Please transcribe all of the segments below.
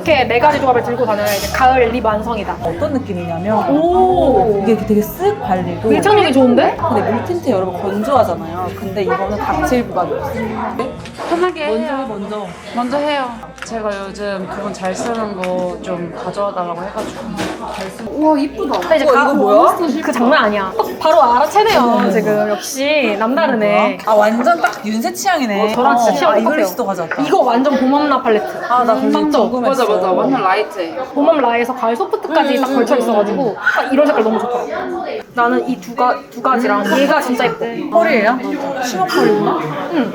이렇게 4가지 조합을 들고 다녀야 이제 가을 립 완성이다. 어떤 느낌이냐면 오, 이게 되게 쓱 발리고 밀착력이 좋은데? 근데 밀틴트 여러분 건조하잖아요. 근데 이거는 각질 부각이 없어요. 편하게 먼저 해요. 제가 요즘 그분 잘 쓰는 거 좀 가져와달라고 해가지고. 우와 이쁘다. 근데 이제 이거 뭐야? 그 장난 아니야. 딱 바로 알아채네요 지금. 역시 남다르네. 아 완전 딱 윤세 취향이네. 저랑 진짜 취향 똑같아요. 이글리스도 가져왔다. 이거 완전 봄엄라 팔레트. 아나 그거 맞죠? 궁금했어. 맞아 완전 라이트해. 봄엄라에서 가을 소프트까지 딱 걸쳐 있어가지고 딱 이런 색깔 너무 좋더라고. 나는 이 두 가지랑 얘가 진짜 예뻐. 펄이에요? 심한 펄이구나? 응.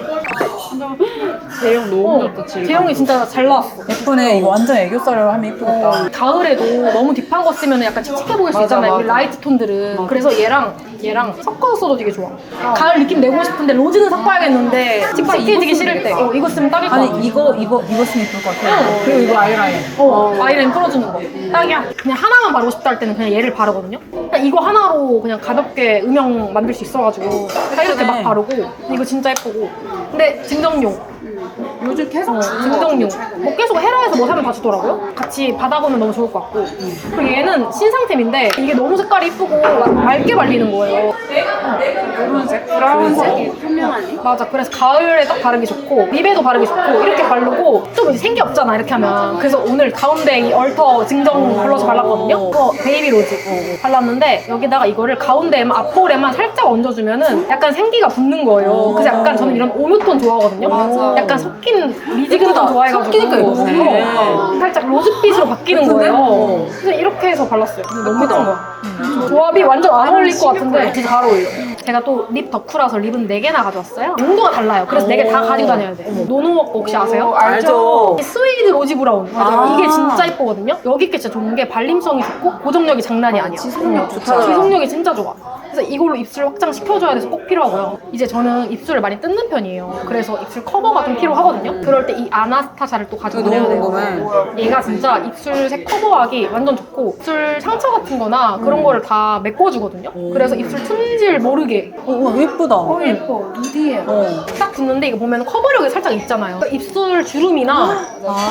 제형 너무 좋다 지금. 제형이 진짜 잘 나왔어. 예쁘네. 이거 완전 애교살로 하면 예쁘겠다. 가을에도 너무 딥한 거 쓰면 약간 칙칙해 보일 수 맞아, 있잖아요. 맞아. 이 라이트 톤들은. 그래서 얘랑 섞어서 써도 되게 좋아. 가을 느낌 내고 싶은데 로즈는 섞어야겠는데 칙칙해지기 싫을 때 이거 쓰면 딱일 것 같아. 아니 이거 쓰면 예쁠 것 같아. 그리고 이거 아이라인. 아이라인 풀어주는 거. 딱이야. 그냥 하나만 바르고 싶다 할 때는 그냥 얘를 바르거든요. 그냥 이거 하나로 그냥 가볍게 음영 만들 수 있어가지고 딱 이렇게 막 바르고 이거 진짜 예쁘고. 근데 증정용. 요즘 계속 증정용. 뭐 계속 헤라에서 뭐 사면 다 주더라고요. 같이 받아보면 너무 좋을 것 같고. 그리고 얘는 신상템인데 이게 너무 색깔이 이쁘고 맑게 발리는 거예요. 노란색, 브라운색이 투명하니? 맞아. 그래서 가을에 딱 바르기 좋고 립에도 바르기 좋고 이렇게 바르고 좀 이제 생기 없잖아 이렇게 하면. 그래서 오늘 가운데 이 얼터 증정 블러셔 발랐거든요. 이거 베이비 로즈 발랐는데 여기다가 이거를 가운데에만 앞볼에만 살짝 얹어주면은 약간 생기가 붙는 거예요. 그래서 약간 저는 이런 오묘톤 좋아하거든요. 맞아. 약간 섞인 미지근 톤 좋아해가지고 섞이니까 이거 좋네. 살짝 로즈빛으로 바뀌는 거예요. 그래서 이렇게 해서 발랐어요. 근데 너무 예쁜 거야. 조합이 완전 안 어울릴 것 같은데 진짜 잘 어울려. 제가 또 립 덕후라서 립은 4개나 가져왔어요. 용도가 달라요. 그래서 4개 다 가지고 다녀야 돼. 노노워크 혹시 아세요? 알죠. 이 스웨이드 로지 브라운. 맞아요. 이게 진짜 예쁘거든요. 여기 게 진짜 좋은 게 발림성이 좋고 고정력이 장난이 아니야. 지속력 좋다. 지속력이 진짜 좋아. 그래서 이걸로 입술 확장 시켜줘야 돼서 꼭 필요하고요. 이제 저는 입술을 많이 뜯는 편이에요. 그래서 입술 커버가 좀 필요하거든요. 그럴 때 이 아나스타샤를 또 가지고 다녀야 돼요. 궁금해. 얘가 진짜 입술색 커버하기 완전 좋고 입술 상처 같은 거나 그런 거를 다 메꿔주거든요. 그래서 입술 틈질 모르게 우와 예쁘다. 예뻐. 미디에. 딱 붙는데 이거 보면 커버력이 살짝 있잖아요. 그러니까 입술 주름이나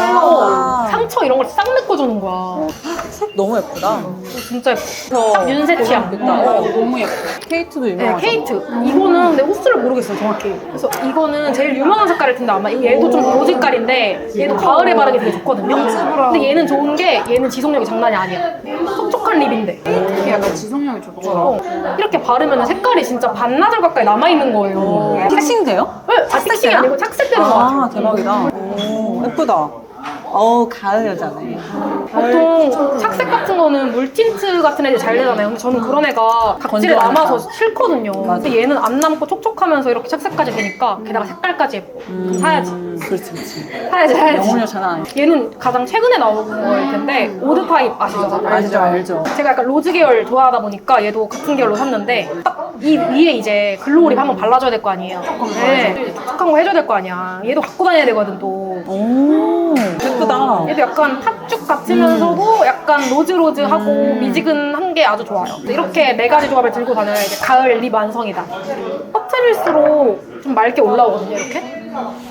상처 이런 걸 싹 메꿔주는 거야. 색 너무 예쁘다. 진짜 예뻐. 딱 윤세 취향. 너무 예뻐. 케이트도 네, 유명하죠. 케이트. 이거는 근데 호수를 모르겠어요, 정확히. 그래서 이거는 제일 유명한 색깔일 텐데 아마 얘도 좀 로지깔인데 얘도 가을에 바르기 되게 좋거든요. 근데 얘는 좋은 게 얘는 지속력이 장난이 아니야. 촉촉한 립인데. 이게 약간 지속력이 좋더라. 이렇게 바르면 색깔이 진짜 반나절 가까이 남아있는 거예요. 픽싱 돼요? 네, 픽싱이 아니고 착색되는 거 같아요. 아 대박이다. 오 예쁘다. 가을 여자네. 보통 착색 같은 거는 물틴트 같은 애들 잘 되잖아요. 근데 저는 그런 애가 각질에 건조하니까. 남아서 싫거든요. 근데 얘는 안 남고 촉촉하면서 이렇게 착색까지 되니까 게다가 색깔까지 예뻐. 사야지. 그렇지. 사야지. 영혼력 장난 아니야. 얘는 가장 최근에 나온 거일 텐데 오드 타입 아시죠? 알죠. 제가 약간 로즈 계열 좋아하다 보니까 얘도 같은 계열로 샀는데 딱 이 위에 이제 글로우립 한번 발라줘야 될 거 아니에요. 네, 촉촉한 거 해줘야 될 거 아니야. 얘도 갖고 다녀야 되거든 또. 오 예쁘다. 얘도 약간 팥죽 같으면서도 약간 로즈로즈하고 미지근한 게 아주 좋아요. 이렇게 4가지 조합을 들고 다녀야 이제 가을 립 완성이다. 퍼트릴수록 좀 맑게 올라오거든요, 이렇게.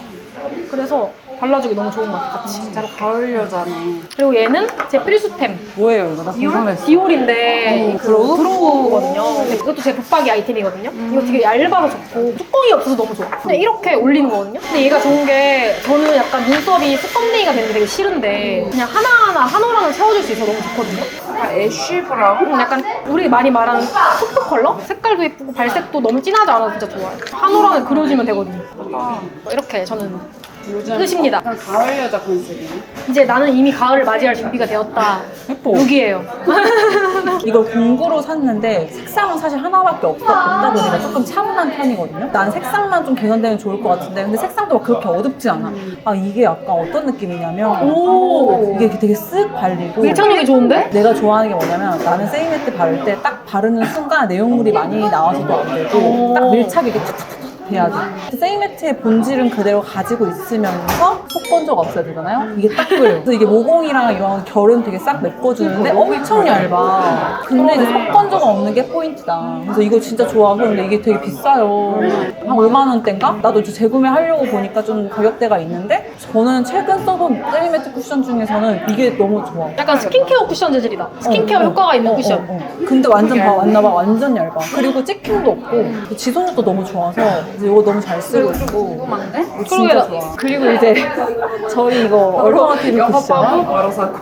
그래서 발라주기 너무 좋은 것 같아, 같이. 진짜 가을 여자네. 그리고 얘는 제 필수템. 뭐예요 이거? 나 궁금했어. 디올인데 브로우거든요. 근데 이것도 제 붙박이 아이템이거든요. 이거 되게 얇아서 좋고 뚜껑이 없어서 너무 좋아. 근데 이렇게 올리는 거거든요. 근데 얘가 좋은 게 저는 약간 눈썹이 뚜껑댕이가 되는 게 되게 싫은데 그냥 하나하나 한 올랑을 채워줄 수 있어서 너무 좋거든요. 약간 애쉬 브라운? 약간 우리 많이 말하는 토프 컬러? 색깔도 예쁘고 발색도 너무 진하지 않아서 진짜 좋아요. 한 올랑을 그려주면 되거든요. 이렇게 저는 요즘 끝입니다. 약간 가을 여자 컨셉이네. 이제 나는 이미 가을을 맞이할 준비가 되었다. 예뻐. 여기에요. 이걸 공구로 샀는데 색상은 사실 하나밖에 없다 보니까 조금 차분한 편이거든요. 난 색상만 좀 개선되면 좋을 것 같은데 근데 색상도 막 그렇게 어둡지 않아. 아 이게 약간 어떤 느낌이냐면 이게 되게 쓱 발리고 밀착력이 좋은데? 내가 좋아하는 게 뭐냐면 나는 세이메트 바를 때 딱 바르는 순간 내용물이 많이 나와서도 안 되고 딱 밀착이 이렇게 탁탁탁 돼야 돼. 세이매트의 본질은 그대로 가지고 있으면서 속건조가 없어야 되잖아요? 이게 딱 그래요. 그래서 이게 모공이랑 이런 결은 되게 싹 메꿔주는데 엄청 얇아. 근데 이제 속건조가 없는 게 포인트다. 그래서 이거 진짜 좋아서 근데 이게 되게 비싸요. 한 5만 원대인가? 나도 이제 재구매하려고 보니까 좀 가격대가 있는데 저는 최근 써본 세이매트 쿠션 중에서는 이게 너무 좋아. 약간 스킨케어 쿠션 재질이다. 스킨케어 효과가 있는 쿠션. 근데 완전 왔나봐. 완전 얇아. 그리고 찍힘도 없고 지속력도 너무 좋아서 그래서 이거 너무 잘 쓰고 있고. 궁금한데? 이거 진짜 좋아. 그리고 이제 저희 이거 얼터너티브 쿠션. 바로 사고.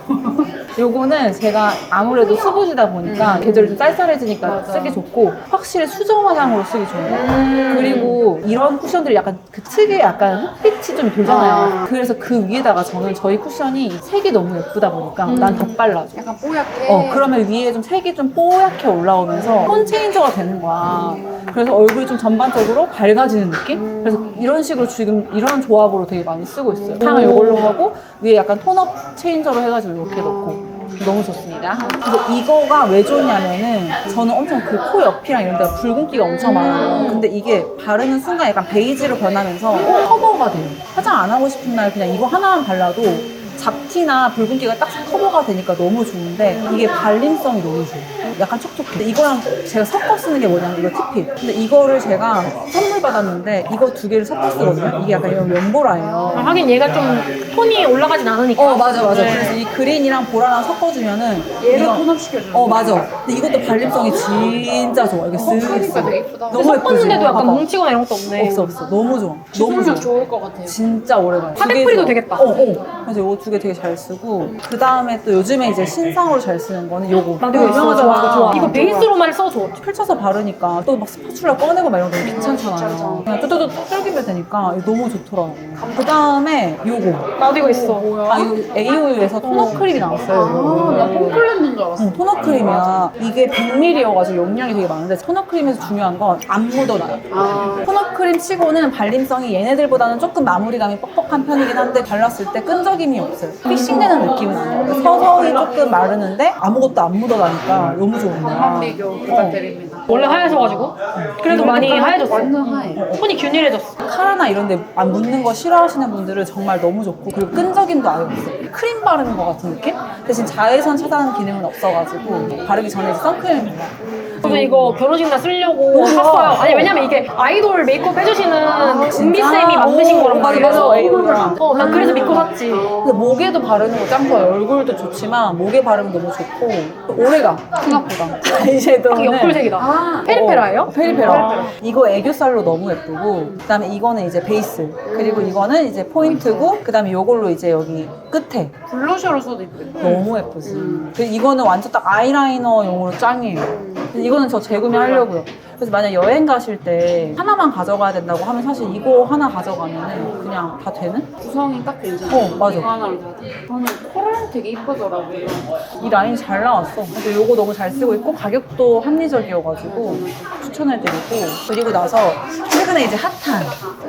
요거는 제가 아무래도 수부지다 보니까 계절이 좀 쌀쌀해지니까 쓰기 좋고 확실히 수정 화장으로 쓰기 좋은 거. 그리고 이런 쿠션들이 약간 그 특유의 약간 흑빛이 좀 돌잖아요. 그래서 그 위에다가 저는 저희 쿠션이 색이 너무 예쁘다 보니까 난 덧발라줘. 약간 뽀얗게. 그러면 위에 좀 색이 좀 뽀얗게 올라오면서 톤 체인저가 되는 거야. 그래서 얼굴이 좀 전반적으로 밝아지는 느낌? 그래서 이런 식으로 지금 이런 조합으로 되게 많이 쓰고 있어요. 향을 이걸로 하고 위에 약간 톤업 체인저로 해가지고 이렇게 넣고. 너무 좋습니다. 그래서 이거가 왜 좋냐면은 저는 엄청 그 코 옆이랑 이런 데가 붉은기가 엄청 많아요. 근데 이게 바르는 순간 약간 베이지로 변하면서 커버가 돼요. 화장 안 하고 싶은 날 그냥 이거 하나만 발라도 잡티나 붉은기가 딱 커버가 되니까 너무 좋은데 이게 발림성이 너무 좋아요. 약간 촉촉해. 근데 이거랑 제가 섞어 쓰는 게 뭐냐면 이거 티핏. 근데 이거를 제가 선물 받았는데 이거 두 개를 섞어 쓰거든요. 이게 약간 이런 면보라예요. 하긴 얘가 좀 톤이 올라가진 않으니까. 맞아. 네. 그래서 이 그린이랑 보라랑 섞어주면은 얘를 이거- 톤업시켜주는 맞아. 근데 이것도 발림성이 진짜 좋아. 이게 쓱 크니까 되게 예쁘다. 너무 섞었는데도 예쁘지? 약간 봐봐. 뭉치거나 이런 것도 없네. 없어. 너무 좋아. 너무 지속력 좋아. 좋을 것 같아요. 진짜 오래 가요. 파데프리도 되겠다. 그래서 이거 두 개 되게 잘 쓰고 그 다음에 또 요즘에 이제 신상으로 잘 쓰는 거는 요거. 나도 이거 이거 유명하잖아. 좋아. 이거 베이스로만 써줘. 펼쳐서 바르니까 또 막 스파츌라 꺼내고 막 이런 거 귀찮잖아요. 그냥 뚜뚜뚜 뚫기면 되니까 이거 너무 좋더라고. 그 다음에 요거. 나도 이거 있어. 이거 AOU에서 토너 크림이 나왔어요. 나 폼클렌즈인 줄 알았어. 토너 크림이야. 이게 100ml여가지고 용량이 되게 많은데 토너 크림에서 중요한 건 안 묻어나요. 토너 크림 치고는 발림성이 얘네들보다는 조금 마무리감이 뻑뻑한 편이긴 한데 발랐을 때 끈적임이 없어요. 픽싱되는 느낌은 아니에요. 서서히 조금 마르는데 아무것도 안 묻어나니까 너무 좋은 거야. 한비교 부탁드립니다. 원래 하얘져가지고. 그래도 많이 하얘졌어. 완전 하얘. 톤이 균일해졌어. 카라나 이런 데 안 묻는 거 싫어하시는 분들은 정말 너무 좋고 그리고 끈적임도 아예 없어요. 크림 바르는 것 같은 느낌? 대신 자외선 차단 기능은 없어가지고 바르기 전에 이제 선크림을 발라요. 저도 이거 결혼식 날 쓰려고 너무 좋아. 샀어요. 아니 왜냐면 이게 아이돌 메이크업 해주시는 진짜? 은비쌤이 만드신 거란 맞아, 말이에요. 맞아. 에이돌이랑. 난 그래서 믿고 샀지. 근데 목에도 바르는 거 짱 좋아요. 얼굴도 좋지만 목에 바르면 너무 좋고 오래가 생각보다. 아이섀도우는 옆불색이다. 페리페라예요? 페리페라. 이거 애교살로 너무 예쁘고 그다음에 이거는 이제 베이스 그리고 이거는 이제 포인트고 그다음에 이걸로 이제 여기 끝에 블러셔로 써도 예쁘다. 너무 예쁘지. 그리고 이거는 완전 딱 아이라이너용으로 짱이에요. 근데 이거는 저 재구매하려고요. 그래서 만약 여행 가실 때 하나만 가져가야 된다고 하면 사실 이거 하나 가져가면 그냥 다 되는? 구성이 딱 괜찮아. 맞아. 이거 하나로 다 돼. 저는 코랄 되게 이쁘더라고요. 이 라인 잘 나왔어. 근데 요거 너무 잘 쓰고 있고 가격도 합리적이어가지고 추천해드리고 그리고 나서 최근에 이제 핫한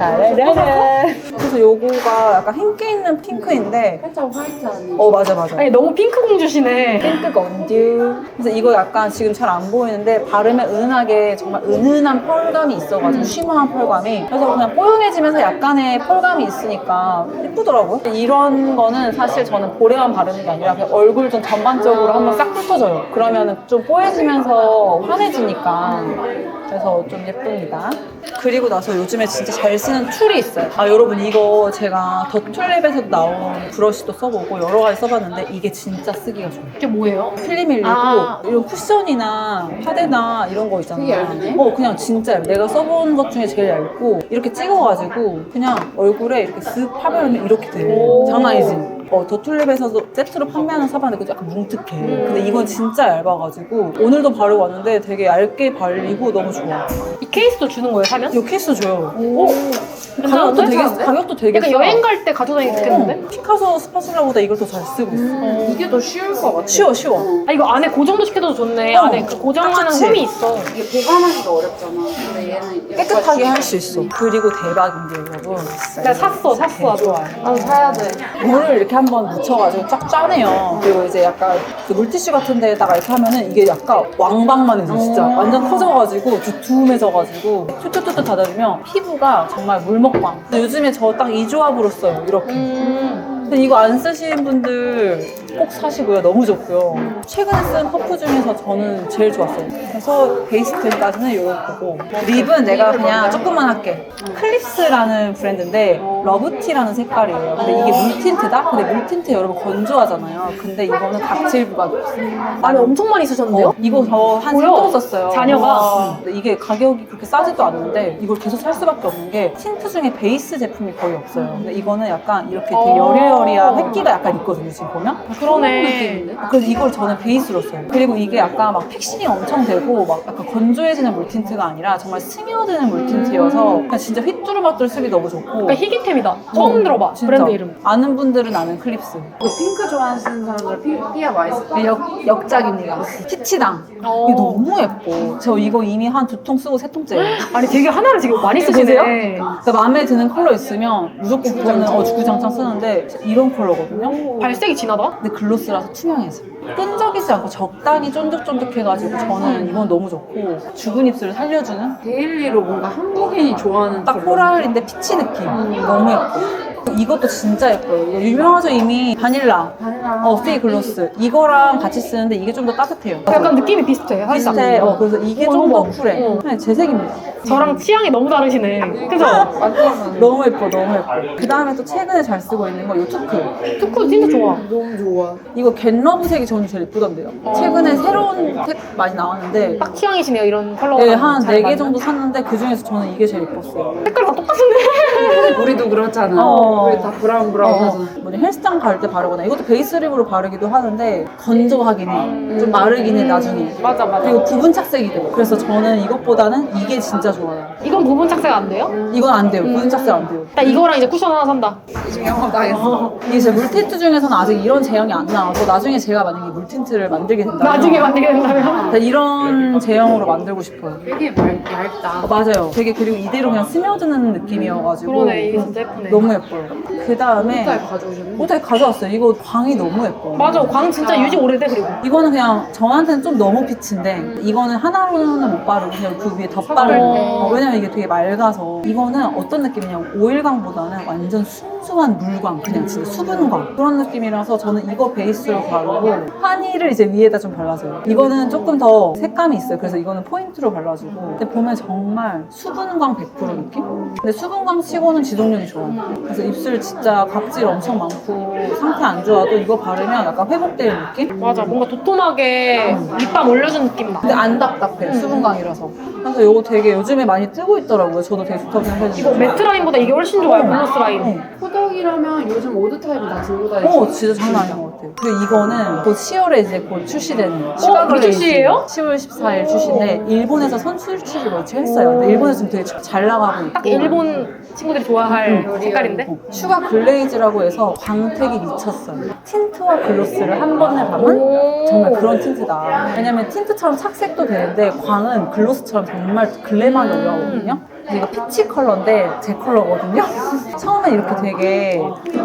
그래서 요거가 약간 힘기 있는 핑크인데 살짝 화이트하네. 맞아. 아니 너무 핑크 공주시네. 핑크 건듀. 그래서 이거 약간 지금 잘 안 보이는데 바르면 은은하게 정말 은은한 펄감이 있어가지고 쉬머한 펄감이 그래서 그냥 뽀용해지면서 약간의 펄감이 있으니까 예쁘더라고요. 이런 거는 사실 저는 볼에만 바르는 게 아니라 그냥 얼굴 좀 전반적으로 한번 싹 훑어줘요. 그러면은 좀 뽀얘지면서 환해지니까 그래서 좀 예쁩니다. 그리고 나서 요즘에 진짜 잘 쓰는 툴이 있어요. 여러분 이거 제가 더툴랩에서도 나온 브러쉬도 써보고 여러 가지 써봤는데 이게 진짜 쓰기가 좋아요. 이게 뭐예요? 필름 밀리고 이런 쿠션이나 파데나 이런 거 있잖아. 되게 얇네? 그냥 진짜 얇아. 내가 써본 것 중에 제일 얇고 이렇게 찍어가지고 그냥 얼굴에 이렇게 쓱 파바르면 이렇게 돼. 장난 아니지? 더툴랩에서도 세트로 판매하는 사봤는데 그거 약간 뭉툭해. 근데 이건 진짜 얇아가지고 오늘도 바르고 왔는데 되게 얇게 발리고 너무 좋아. 이 케이스도 주는 거예요, 사면? 이 케이스 줘요. 괜찮은데? 가격도 되게 약간 싸. 여행 갈 때 가져다니기 좋겠는데? 피카소 스파츌라보다 이걸 더 잘 쓰고 있어. 이게 더 쉬울 것 같아. 쉬워. 아 이거 안에 고정도 시켜도 좋네. 어, 안에 그 고정하는 그치? 홈이 있어. 이게 보관하기가 어렵잖아. 근데 얘는 깨끗하게 할 수 있어. 그리고 대박인 게 여러분. 내가 샀어. 좋아요. 나도 사야 돼. 오늘 이렇게 한번 묻혀가지고 쫙 짜내요. 그리고 이제 약간 그 물티슈 같은 데다가 이렇게 하면은 이게 약간 왕방만 해져 진짜. 완전 커져가지고 두툼해져가지고 툭툭툭툭 닫아주면 피부가 정말 물먹방. 근데 요즘에 저 딱 이 조합으로 써요. 이렇게. 근데 이거 안 쓰시는 분들 꼭 사시고요. 너무 좋고요. 최근에 쓴 퍼프 중에서 저는 제일 좋았어요. 그래서 베이스템까지는 이거 보고 립은 내가 그냥 조금만 할게. 클립스라는 브랜드인데 러브티라는 색깔이에요. 근데 이게 물틴트다? 근데 물틴트 여러분 건조하잖아요. 근데 이거는 각질부가 없어요. 아니 엄청 많이 쓰셨는데요? 이거 저 한 뭐야? 3통 썼어요. 자녀가? 근데 이게 가격이 그렇게 싸지도 않는데 이걸 계속 살 수밖에 없는 게 틴트 중에 베이스 제품이 거의 없어요. 근데 이거는 약간 이렇게 되게 여리여리한 획기가 약간 있거든요. 지금 보면. 그러네. 그래서 이걸 저는 베이스로 써요. 그리고 이게 약간 막 픽싱이 엄청 되고 막 약간 건조해지는 물틴트가 아니라 정말 스며드는 물틴트여서 그냥 진짜 휘뚜루마뚜루 쓰기 너무 좋고. 그러니까 희귀템이다. 처음 들어봐. 진짜. 브랜드 이름. 아는 분들은 아는 클립스. 그 핑크 좋아하시는 사람들 피가 많이 쓸 거예요. 역작입니다. 피치당. 이게 너무 예뻐. 저 이거 이미 한 2통 쓰고 3통째예요. 아니 되게 하나를 지금 많이 쓰시네요. 그러니까 마음에 드는 컬러 있으면 무조건 그거는 주구장창 쓰는데 이런 컬러거든요. 발색이 진하다. 근데 글로스라서 투명해져. 끈적이지 않고 적당히 쫀득쫀득해가지고 저는 이건 너무 좋고 죽은 입술을 살려주는 데일리로 뭔가 한국인이 좋아하는 딱 코랄인데 피치 느낌. 너무 예뻐. 이것도 진짜 예뻐요. 이거 유명하죠 이미. 바닐라. 페이 글로스. 이거랑 같이 쓰는데 이게 좀 더 따뜻해요. 약간 느낌이 비슷해. 살짝. 비슷해. 그래서 이게 좀 더 쿨해. 그냥 제 색입니다. 저랑 취향이 너무 다르시네. 그죠? 너무 예뻐, 너무 예뻐. 그 다음에 또 최근에 잘 쓰고 있는 거 이 투크. 투쿠 진짜 좋아. 너무 좋아. 이거 겟러브 색이 저는 제일 예쁘던데요. 최근에 새로운 색 많이 나왔는데 딱 취향이시네요. 이런 컬러가. 네, 한 잘 4개 맞는. 정도 샀는데 그 중에서 저는 이게 제일 예뻤어요. 색깔 다 똑같은데? 우리도 그렇잖아. 우리 다 브라운 하잖아. 뭐냐 헬스장 갈 때 바르거나 이것도 베이스 립으로 바르기도 하는데 건조하긴 해. 좀 마르긴 해 나중에. 맞아, 맞아. 그리고 부분 착색이 돼요. 그래서 저는 이것보다는 이게 진짜 좋아요. 이건 부분 착색 안 돼요? 이건 안 돼요. 부분 착색 안 돼요. 나 이거랑 이제 쿠션 하나 산다. 지금 영업 당했어. 이게 제 물틴트 중에서는 아직 이런 제형이 안 나와서 나중에 제가 만약에 물틴트를 만들게 된다면 나중에 만들게 된다면. 이런 제형으로 만들고 싶어요. 되게 얇다. 맞아요. 되게 그리고 이대로 그냥 스며드는 느낌이어가지고 그러네. 이게 진짜 예쁘네. 너무 예뻐요. 그 다음에 잘 가져오셨네. 옷에 가져왔어요. 이거 광이 너무 예뻐요. 맞아. 광 진짜 유지 오래돼 그리고. 이거는 그냥 저한테는 좀 너무 빛인데 이거는 하나로는 못 바르고 그냥 그 위에 덧바를 왜냐면 이게 되게 맑아서 이거는 어떤 느낌이냐면 오일광보다는 완전 순수한 물광 그냥 진짜 수분광 그런 느낌이라서 저는 이거 베이스로 바르고 하니를 이제 위에다 좀 발라줘요. 이거는 조금 더 색감이 있어요. 그래서 이거는 포인트로 발라주고 근데 보면 정말 수분광 100% 느낌? 근데 수분광 치고는 지속력이 좋아요. 그래서 입술 진짜 각질 엄청 많고 상태 안 좋아도 이거 바르면 약간 회복되는 느낌? 맞아. 뭔가 도톰하게 립밤 올려준 느낌 나. 근데 안 답답해 수분광이라서. 그래서 이거 되게 요즘에 많이 뜨고 있더라고요. 저도 되게 좋다고 생각했는데 이거 매트 라인보다 이게 훨씬 좋아요. 글로스 라인. 호덕이라면 요즘 오드 타입이 다 들고 다니죠. 진짜 장난 아닌 것 같아요. 그리고 이거는 곧 10월에 이제 곧 출시되는 우리 출시예요? 10월 14일 출시인데 일본에서 선출치를 며칠 했어요. 근데 일본에서 지금 되게 잘 나가고 있고 딱 일본 친구들이 좋아할 색깔인데? 슈가 글레이즈라고 해서 광택이 미쳤어요. 틴트와 글로스를 한 번에 담은 정말 그런 틴트다. 왜냐면 틴트처럼 착색도 되는데 광은 글로스처럼 정말 글래망이 올라오거든요. 이거 피치 컬러인데 제 컬러거든요. 처음에 이렇게 되게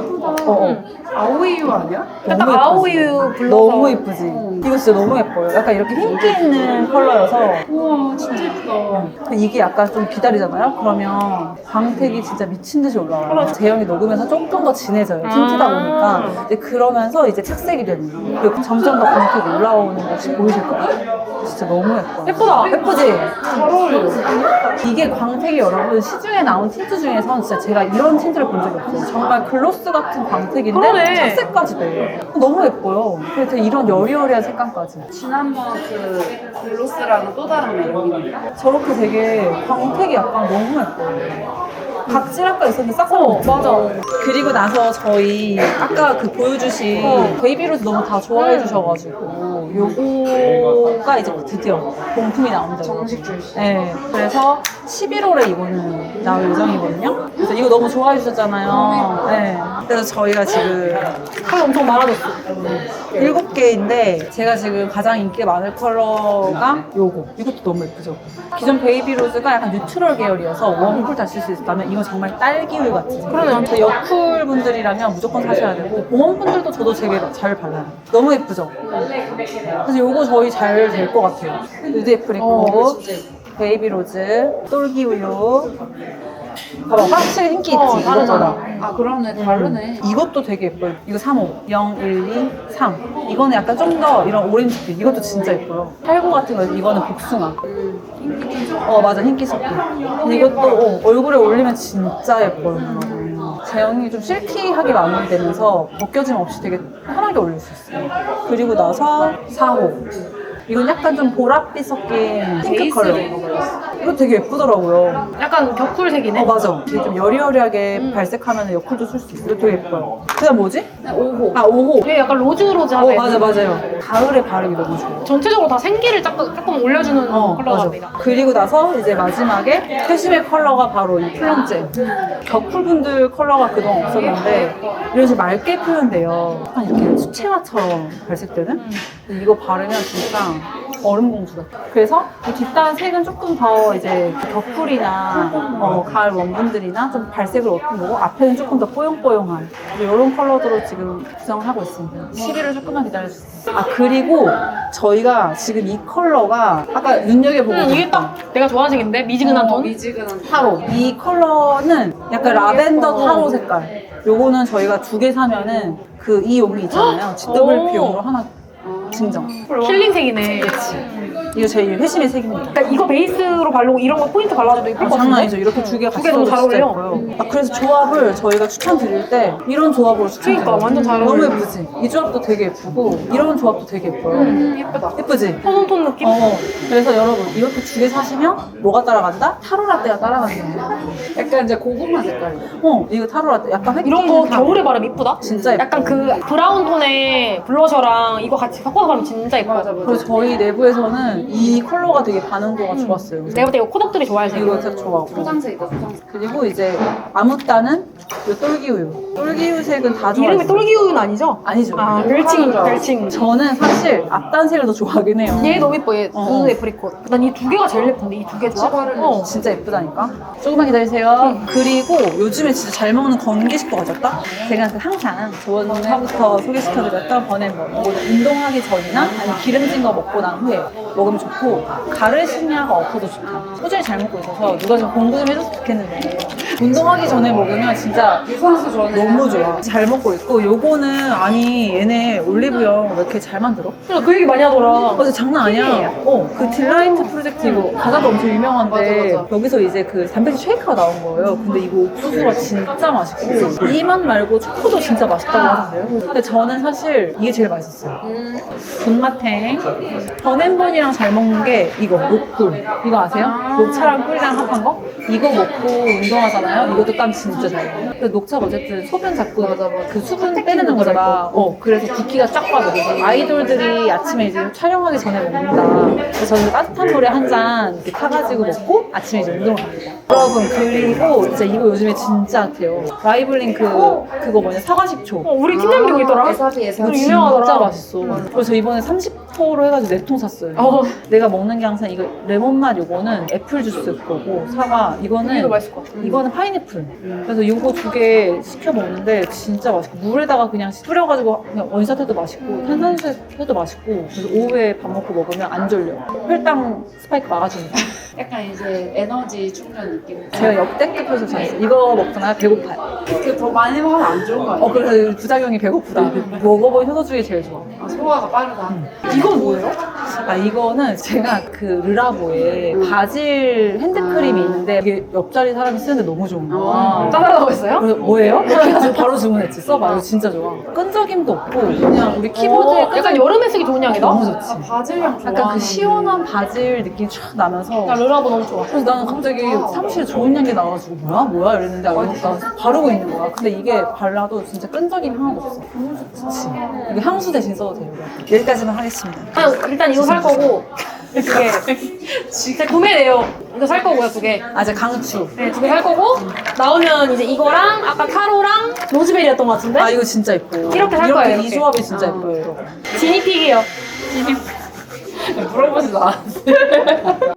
아오이유 아니야? 딱 예쁘지? 아오이유 불러서. 너무 예쁘지? 이거 진짜 너무 예뻐요. 약간 이렇게 흰기 있는 컬러여서 우와 진짜 예쁘다. 이게 약간 좀 기다리잖아요? 그러면 광택이 진짜 미친 듯이 올라와요. 제형이 녹으면서 조금 더 진해져요. 틴트다 보니까. 이제 그러면서 이제 착색이 되는 거예요. 그리고 점점 더 광택이 올라오는 것이 보이실 거예요. 진짜 너무 예뻐요. 예쁘다. 예쁘지? 잘 어울려. 이게 광택이 여러분 시중에 나온 틴트 중에서는 진짜 제가 이런 틴트를 본 적이 없어요. 정말 글로스 같은 광택인데 그러네. 착색까지 돼요. 너무 예뻐요. 그래서 이런 여리여리한 색감까지. 지난번 그 글로스랑은 또 다른 매력이네. 저렇게 되게 광택이 약간 너무 예뻐요. 각질 아까 있었는데 싹 맞아. 그리고 나서 저희 아까 그 보여주신 베이비로즈 너무 다 좋아해 주셔가지고 요거가 이제 드디어 본품이 나온다고. 정식 출시. 네. 그래서 11월에 이거는 나올 예정이거든요. 그래서 이거 너무 좋아해 주셨잖아요. 네. 그래서 저희가 지금 컬러 엄청 많아졌어. 7개인데 제가 지금 가장 인기가 많을 컬러가 요거. 이것도 너무 예쁘죠? 기존 베이비 로즈가 약간 뉴트럴 계열이어서 웜쿨 다 쓸 수 있다면 이건 정말 딸기우유 같은. 그러네요. 여쿨 분들이라면 무조건 사셔야 되고 봄원 분들도 저도 되게 잘 발라요. 너무 예쁘죠? 그래서 요거 저희 잘 될 것 같아요. 누드 애프리코, 베이비 로즈, 똘기우유. 봐봐, 확실히 인기 있지? 다르잖아. 아 그러네 다르네. 이것도 되게 예뻐요. 이거 3호. 0, 1, 2, 3. 이거는 약간 좀 더 이런 오렌지빛. 이것도 진짜 예뻐요. 팔고 같은 거, 이거는 복숭아. 맞아. 흰기 섞기. 근데 이것도 얼굴에 올리면 진짜 예뻐요. 제형이 좀 실키하게 마무리되면서 벗겨짐 없이 되게 편하게 올릴 수 있어요. 그리고 나서 4호. 이건 약간 좀 보랏빛 섞인 핑크 컬러. 이거 되게 예쁘더라고요. 약간 격쿨색이네. 맞아. 이게 좀 여리여리하게 발색하면 여쿨도 쓸 수 있어. 이거 되게 예뻐요. 그다음 뭐지? 5호. 5호. 이게 약간 로즈로즈하게. 맞아요. 가을에 바르기 너무 좋아요. 전체적으로 다 생기를 조금 올려주는 컬러 맞아. 같아요. 그리고 나서 이제 마지막에 캐시밀 컬러가 바로 이 플럼잼. 격쿨분들 컬러가 그동안 없었는데 이런 식으로 맑게 표현돼요. 약간 이렇게 수채화처럼 발색되는? 근데 이거 바르면 진짜 얼음 공주 같아. 그래서 이 뒷단 색은 조금 더 이제 격쿨이나 가을 원분들이나 좀 발색을 얻은 거고 앞에는 조금 더 뽀용뽀용한 이런 컬러들로 지금 구성을 하고 있습니다. 11을 조금만 기다려주세요. 그리고 저희가 지금 이 컬러가 아까 눈여겨보고 이게 딱 내가 좋아하는 색인데 미지근한 톤. 미지근한 타로. 이 컬러는 약간 라벤더 타로 색깔. 요거는 저희가 2개 사면은 이 용이 있잖아요. GWP용으로 하나 증정. 힐링색이네. 이거 제 회심의 색입니다. 그러니까 이거 베이스로 바르고 이런 거 포인트 발라줘도 예쁠 것 같은데? 장난 아니죠. 이렇게 2개 같이 너무 잘 써도 진짜 어울려. 예뻐요. 그래서 조합을 저희가 추천드릴 때 이런 조합으로 추천드려요. 그러니까 완전 잘 너무 어울려. 예쁘지? 이 조합도 되게 예쁘고 이런 조합도 되게 예뻐요. 예쁘다. 예쁘지? 톤온톤 느낌? 그래서 여러분 이렇게 2개 사시면 뭐가 따라간다? 타로 라떼가 따라간다. 약간 이제 고구마 색깔이야. 이거 타로 라떼 약간 획기 이런 거 겨울에 바르면 이쁘다? 진짜 예뻐요. 약간 그 브라운 톤의 블러셔랑 이거 같이 섞어서 바르면 진짜 예뻐. 맞아. 그리고 저희 내부에서는 이 컬러가 되게 반응도가 좋았어요. 내가 볼 때 이거 코덕들이 좋아할 색. 이거 색 좋아하고. 포장색이다 포장색. 그리고 이제 아무따는 이 똘기우유. 똘기우유 색은 다 좋아해요. 이름이 똘기우유는 아니죠? 아니죠. 별칭. 저는 사실 앞단색을 더 좋아하긴 해요. 얘 너무 예뻐, 얘. 누드 애프리콧. 난 이 2개가 제일 예쁜데, 이 2개 조합? 진짜 예쁘다니까? 조금만 기다리세요. 그리고 요즘에 진짜 잘 먹는 건기식도 가졌다? 제가 항상 저번부터 소개시켜드렸던 버넷버. 운동하기 전이나 아니면 기름진 거 먹고 난 후에 먹으면 좋고 가르시니아가 없어도 좋다. 꾸준히 잘 먹고 있어서 누가 좀 공부 좀 해줬으면 좋겠는데 운동하기 전에 먹으면 진짜 유산소 전에 너무 좋아. 잘 먹고 있고 요거는 아니 얘네 올리브영 왜 이렇게 잘 만들어? 그 얘기 많이 하더라. 진짜 장난 아니야. 그 딜라이트 프로젝트 이거 과자도 엄청 유명한데 맞아. 여기서 이제 그 단백질 쉐이크가 나온 거예요. 근데 이거 옥수수가 진짜 맛있고 이 맛 말고 초코도 진짜 맛있다고 하는데요. 근데 저는 사실 이게 제일 맛있었어요. 군마탱. 버넷번이랑 잘 먹는 게 이거 녹꿀. 이거 아세요? 녹차랑 꿀이랑 합한 거? 이거 먹고 운동하잖아요. 이것도 땀 진짜 잘 나요. 근데 녹차가 어쨌든 소변 자꾸 그 수분 빼내는 거잖아. 그래서 붓기가 쫙 빠져. 그래서 아이돌들이 아침에 이제 촬영하기 전에 먹는다. 그래서 저는 따뜻한 물에 한 잔 이렇게 타가지고 먹고 아침에 이제 운동을 갑니다. 여러분 그리고 진짜 이거 요즘에 진짜 핫해요. 라이블링 그거 뭐냐 사과식초. 우리 팀장님 있더라. 에사비 이거 이거 진짜 유명하더라. 맛있어. 그래서 저 이번에 30호로 해가지고 4통 샀어요. 내가 먹는 게 항상 이거 레몬맛 요거는 애플 주스 거고 사과 이거는 이거 맛있을 것 같아. 이거는 파인애플. 그래서 이거 2개 시켜 먹는데 진짜 맛있고 물에다가 그냥 뿌려가지고 그냥 원샷 해도 맛있고 탄산수 해도 맛있고 그래서 오후에 밥 먹고 먹으면 안 졸려. 혈당 스파이크 막아줍니다. 약간 이제 에너지 충전 느낌. 제가 역대급해서 잘했어요. 이거 먹잖아요. 배고파요. 더 많이 먹으면 안 좋은 거 아니야? 그래서 부작용이 배고프다. 먹어본 효소 중에 제일 좋아. 소화가 빠르다. 이건 뭐예요? 이거는 제가 그 르라보에 바질 핸드크림이 있는데 이게 옆자리 사람이 쓰는데 너무 좋은 거야. 짜달라고 했어요? 그래서 뭐예요? 이렇게 해서 바로 주문했지. 써봐. 이거 진짜 좋아. 끈적임도 없고 그냥 우리 키보드에 약간 여름에 쓰기 좋은 향이다? 너무 좋지. 바질향 좋아. 약간 그 시원한 바질 느낌이 촥 나면서 나 르라보 너무 좋아. 그래서 나는 갑자기 사무실에 좋은 향기 나와가지고 뭐야? 이랬는데 나 바르고 있는 거야. 근데 이게 발라도 진짜 끈적임 하나도 없어. 너무 좋지. 이거 향수 대신 써도 돼요. 여기까지만 하겠습니다. 일단 이거 살 거고 그게 제 구매 내용 이거 살 거고요 2개. 아, 이제 강추. 네, 2개 살 거고 나오면 이제 이거랑 아까 타로랑 로즈베리였던 것 같은데? 아, 이거 진짜 예뻐. 이렇게 살 거예요, 이 이렇게. 조합이 진짜 예뻐요, 이거. 지니픽이요. 물어보지도 않았어요.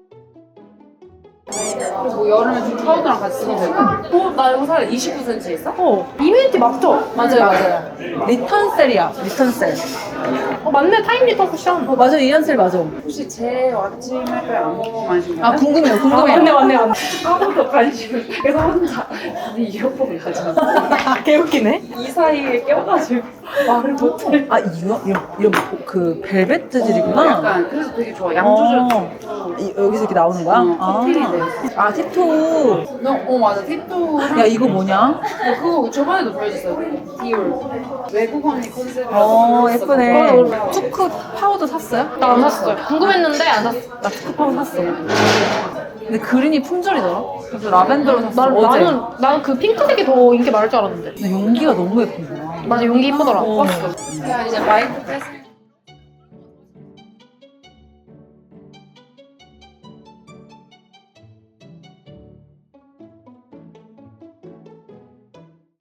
그리고 여름에 좀 파우더랑 같이 쓰면 될까? 나 이거 살 29cm 있어? 이뮤니티 맞죠? 맞아요. 리턴셀이야, 리턴셀. 맞네 타임 리턴 쿠션. 맞아, 이한셀 맞아. 혹시 제 아침 햇볕 안 먹어가신 거예요? 아, 궁금해요, 아, 궁금해요. 맞네. 아무도 관심 그래서 혼자 이어폰을 가져왔어요. 개웃기네. 이 사이에 껴가지고 말을 못해. 아, 이런 그 벨벳 재질이구나. 약간 그래서 되게 좋아. 양조절. 여기서 이렇게 나오는 거야? 커팅이 돼. 아, 팁토. 맞아. 팁도 야, 이거 뭐냐? 그거 저번에도 보여줬어요. 디올. 외국 언니 컨셉이라서. 예쁘네. 투크 파우더 샀어요? 나 안 샀어요. 궁금했는데 안 샀어. 나 투크 파우더 샀어. 근데 그린이 품절이더라. 그래서 라벤더로 샀어. 어제. 나는 그 핑크색이 더 인기 많을 줄 알았는데. 근데 용기가 너무 예쁜 거야. 맞아 용기 이쁘더라. 어. 야, 이제 마이크 뺐을